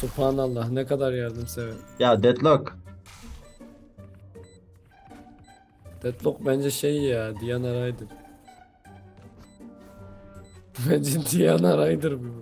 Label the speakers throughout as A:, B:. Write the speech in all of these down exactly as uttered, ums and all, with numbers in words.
A: Subhanallah ne kadar yardımsever.
B: Ya Deadlock.
A: Deadlock bence şey ya, Diana Ryder. Bence Diana Ryder bu.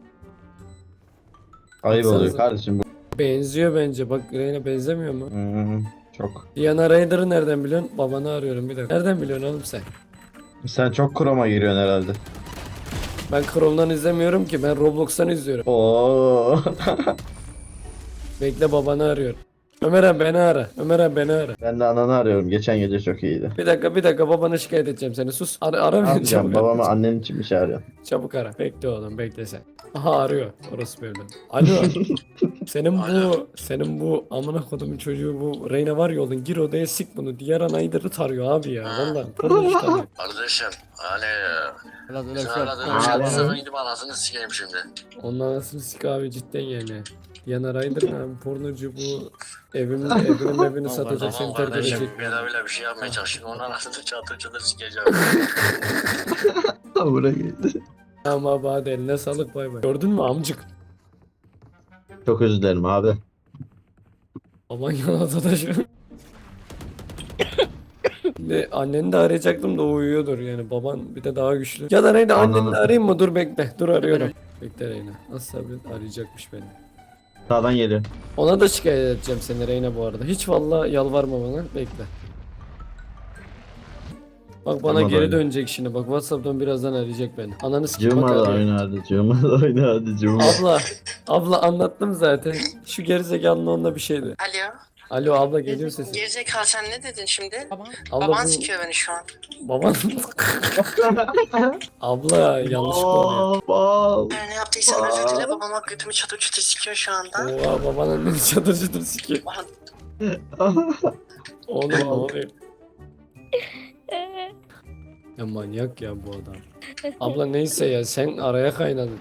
B: Ayıp oluyor
A: Baksanıza.
B: kardeşim bu.
A: Benziyor bence. Bak Reyna benzemiyor mu?
B: Hmm, çok.
A: Diana Ryder'ı nereden biliyorsun? Babanı arıyorum bir dakika. Nereden biliyorsun oğlum sen?
B: Sen çok Chrome'a giriyorsun herhalde.
A: Ben Chrome'dan izlemiyorum ki. Ben Roblox'tan izliyorum.
B: Oo.
A: Bekle, babanı arıyorum. Ömer abi beni ara. Ömer abi beni ara.
B: Ben de ananı arıyorum. Geçen gece çok iyiydi.
A: Bir dakika bir dakika, babanı şikayet edeceğim seni. Sus. Ara, ara
B: Ne
A: beni
B: yapacağım?
A: çabuk.
B: Babamı
A: Ara.
B: annen için bir şey arıyorsun.
A: Çabuk ara. Bekle oğlum, bekle sen. Aha arıyor. Orası böyle. Alo. Senin bu senin bu amına kodumun çocuğu bu Reyna var ya oğlum, gir odaya sik bunu. Diğer anayları tarıyor abi ya. Vallahi konuş tarıyor.
C: Kardeşim hani
D: Biraz öyle bir
C: sen
D: şey
C: aradığın
D: yok.
C: için
B: Alo.
C: sana gidip anasını sikeyim şimdi.
A: Onun anasını sik abi cidden yani. Diana Ryder ne abi, pornocu bu, evimin evinin evini satacak, seni
C: Tamam
A: terk edecek.
C: kardeşim ben öyle bir şey yapmaya çalışıyorum. Onun anasını çatır çatır sikeceğim.
B: Buraya geldi.
A: Tamam abi hadi, eline sağlık, bay bay. Gördün mü amcık?
B: Çok özür dilerim abi.
A: Aman yanada da şu. Ne, anneni de arayacaktım da o uyuyordur yani, baban bir de daha güçlü. Ya da Reyna anneni
B: Anladım.
A: de arayayım mı? Dur bekle, dur arıyorum. Bekle Reyna. Nasıl abi, arayacakmış beni.
B: Sağdan geliyor.
A: Ona da şikayet edeceğim seni Reyna bu arada. Hiç vallahi yalvarma bana, bekle. Bak bana
B: Tamam,
A: geri
B: öyle.
A: dönecek şimdi, bak WhatsApp'tan birazdan arayacak beni. Ananı sikeyim, bak
B: Cuma da
A: arıyor.
B: oyna hadi. Cuma da oyna hadi. Cuma.
A: Abla, abla anlattım zaten. Şu gerizekalının onunla bir şeydi.
E: Alo.
A: Alo abla, geliyor sesin.
E: Gerizekalı sen ne dedin şimdi?
A: Abla
E: Baban
A: bu
E: sikiyor beni şu an.
A: baban. Abla yanlış oluyor.
B: Bal.
E: Her ne yaptıysam özür dile, babama götümü çatır çatır sikiyor şu anda.
A: Oha, baban anneni çatır çatır sikiyor. Oğlum ne oluyor? Ya manyak ya bu adam. Abla neyse ya, sen araya kaynadın.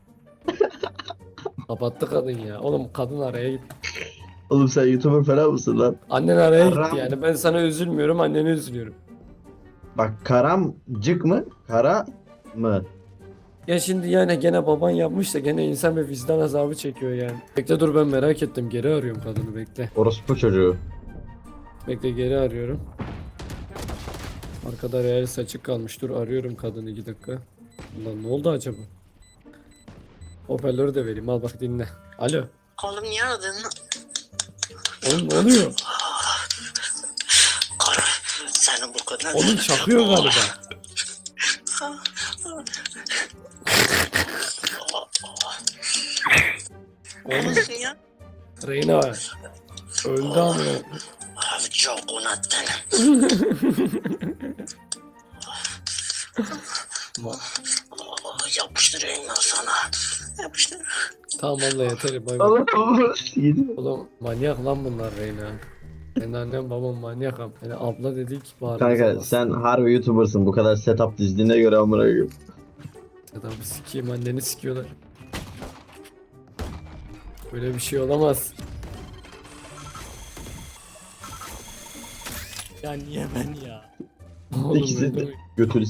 A: Kapattı kadın ya. Oğlum kadın araya gitti.
B: Oğlum sen YouTuber falan mısın lan?
A: Annen araya gitti
B: Aram.
A: yani. Ben sana üzülmüyorum, annene üzülüyorum.
B: Bak karamcık mı? Kara mı?
A: Ya şimdi yani gene baban yapmış da gene insan bir vicdan azabı çekiyor yani. Bekle dur, ben merak ettim. Geri arıyorum kadını, bekle.
B: Orospu çocuğu.
A: Bekle, geri arıyorum. Arkada real saçık kalmış. Dur arıyorum kadını, iki dakika. Ulan ne oldu acaba? Hoparlörü de vereyim, al bak dinle. Alo.
E: Oğlum niye aradın?
A: Oğlum ne oluyor?
E: Kara, senin bu kadar...
A: Oğlum çakıyor galiba. Oğlum
E: ya?
A: Reyna öldü ama.
E: Abi çok unuttun. Yapıştırayım ben sana. Yapıştır.
A: Tamam abla yeter, bay bay. Oğlum manyak lan bunlar Reyna. Senin annen babam manyak am. Yani abla dedik bağırmaz.
B: Kanka sen harbi YouTuber'sın. Bu kadar setup dizdiğine göre amına koyayım.
A: Adam sikeyim, anneni sikiyorlar. Böyle bir şey olamaz.
D: Ya niye ben ya?
A: Oğlum
B: İkisi
A: öyle
B: de
A: mi?
B: götürü.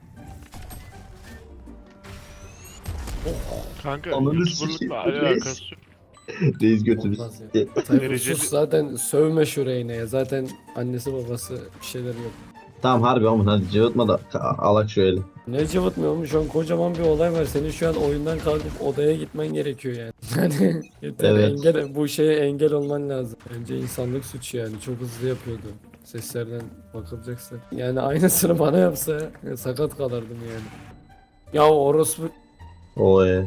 F: Kanka
B: Ananı
F: YouTuber'lıkla
B: sikeyim,
F: alakası yok.
B: Reis götürü.
A: Olmaz ya. Tayfur
F: Dereceli-
A: sus, zaten sövme şu Reyna'ya. Zaten annesi babası bir şeyler yok.
B: Tamam harbi ama hadi cıvıtma da ka- alak şu eli.
A: Ne cıvıtmıyor mu? Şu an kocaman bir olay var. Senin şu an oyundan kalkıp odaya gitmen gerekiyor yani. Yani yeter,
B: Evet.
A: engel, bu şeye engel olman lazım. Bence insanlık suçu yani. Çok hızlı yapıyordu. Seslerden bakılacaksa. Yani aynısını bana yapsa ya, sakat kalırdım yani. Ya orospu...
B: Oy.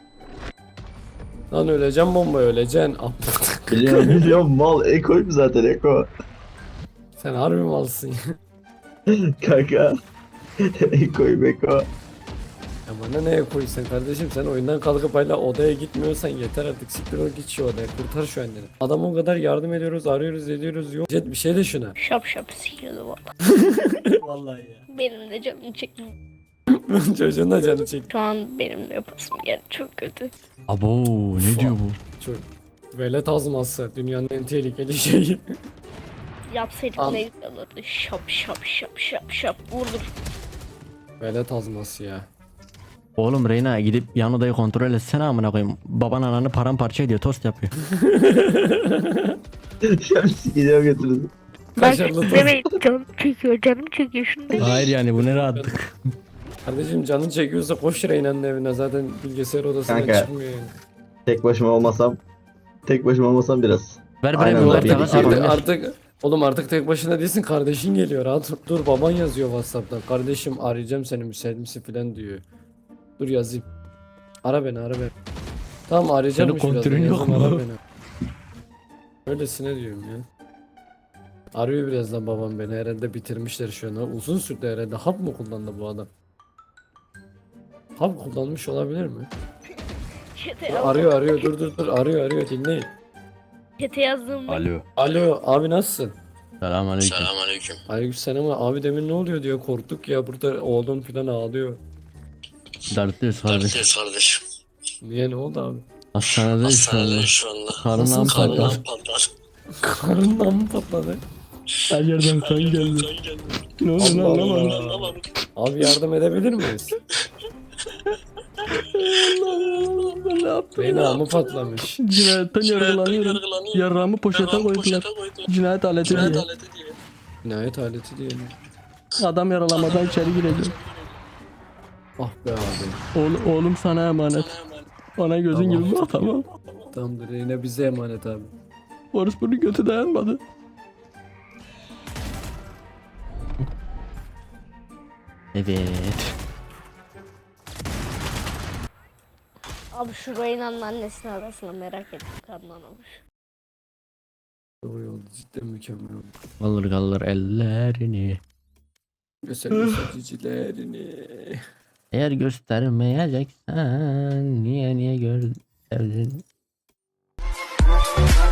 A: Lan öleceğim, bomba öleceksin.
B: Biliyorum biliyorum mal ekoyum zaten eko.
A: Sen harbi malsın ya.
B: Kanka. Ekoyum eko.
A: Ya bana neye koyuyorsun kardeşim, sen oyundan kalkıp hala odaya gitmiyorsan yeter artık, siktir ol git şu odaya, kurtar şu anneni. Adama o kadar yardım ediyoruz, arıyoruz ediyoruz, yok. Jet bir şey de şuna.
G: Şap şap sikiyordu valla.
D: Vallahi ya.
G: Benim de canım çekti.
A: Çocuğun da canı çekti.
G: Şu an benim de yapasım geldi, çok kötü.
D: Abo ne diyor bu?
A: Çok. Velet azması dünyanın en tehlikeli şeyi.
G: Yapsaydık
A: Al.
G: ne güzel olurdu. Şap şap şap şap şap vurdur.
A: Velet azması ya.
D: Oğlum Reyna gidip yan odayı kontrol etsene amına koyayım. Baban ananı paramparça ediyor, tost yapıyor.
B: Şemsi gidiyor götürün.
A: Kaşarlı tost.
G: demeyin canım çekiyor canım çekiyor şunu demeyin.
D: Hayır yani bu ne rahatlık.
A: Kardeşim canın çekiyorsa koş Reyna'nın evine, zaten bilgisayar odasından
B: Kanka.
A: çıkmıyor yani.
B: Tek başıma olmasam. Tek başıma olmasam biraz.
D: Ver
B: Aynen
D: bana bir
B: öyle.
D: orta
A: Artık,
D: bas.
A: artık, artık oğlum artık tek başına değilsin, kardeşin geliyor, rahat dur. Dur, baban yazıyor WhatsApp'tan. Kardeşim arayacağım seni, müsait misin filan diyor. Dur yazayım. Ara beni, ara beni. Tamam arayacağım.
D: Senin kontürün yok mu?
A: Ara beni. Öylesine diyorum ya. Arıyor birazdan babam beni, herhalde bitirmişler şu an. Uzun sürdü herhalde. Hap mı kullandı bu adam? Hap kullanmış olabilir mi?
G: Çete,
A: Arıyor arıyor, dur dur dur, arıyor arıyor, dinleyin.
G: çete yazdığımda
D: Alo.
A: Alo abi, nasılsın?
D: Selamünaleyküm.
C: Selamünaleyküm.
A: Aleykümselam abi, demin ne oluyor diyor, korktuk ya, burada oğlum falan ağlıyor.
D: Dertliyiz kardeş.
C: Dertliyiz kardeşim.
A: Niye, ne oldu abi?
D: Hastanedeyiz şu anda.
C: Hastanede şu anda.
D: Karnım
A: Nasıl
D: patladı.
C: Karnım patlar.
A: Karnından mı patladı?
D: Her yerden kan geldi. Ne oldu lan
A: Allah
D: anlamadım.
A: Allah.
C: Anlamadım.
A: Abi yardım edebilir miyiz?
D: Ne yaptım
A: Reyna mı patlamış?
D: Cinayetten yargılanıyorum.
C: Yargılanıyor.
D: Yarrağımı poşete
C: Yarrağımı
D: koydular.
C: poşete koydular.
D: Cinayet aleti
C: Cinayet
D: diye.
C: aleti diye.
A: Cinayet aleti diye mi?
D: Adam yaralamadan içeri gireceğim.
A: Ah be abi.
D: Oğlum, oğlum sana emanet. Ona gözün
A: Tamam.
D: gibi bak tamam.
A: Tamamdır, Reyna bize emanet abi.
D: Orospunun götü dayanmadı. Evet.
G: abi şu Reyna'nın annesini arasına merak ettim, kanlanamış.
A: Doğru oldu, cidden mükemmel oldu.
D: Kalır kalır ellerini.
A: Göster göstericilerini.
D: Eğer göstermeyeceksen niye niye gördün?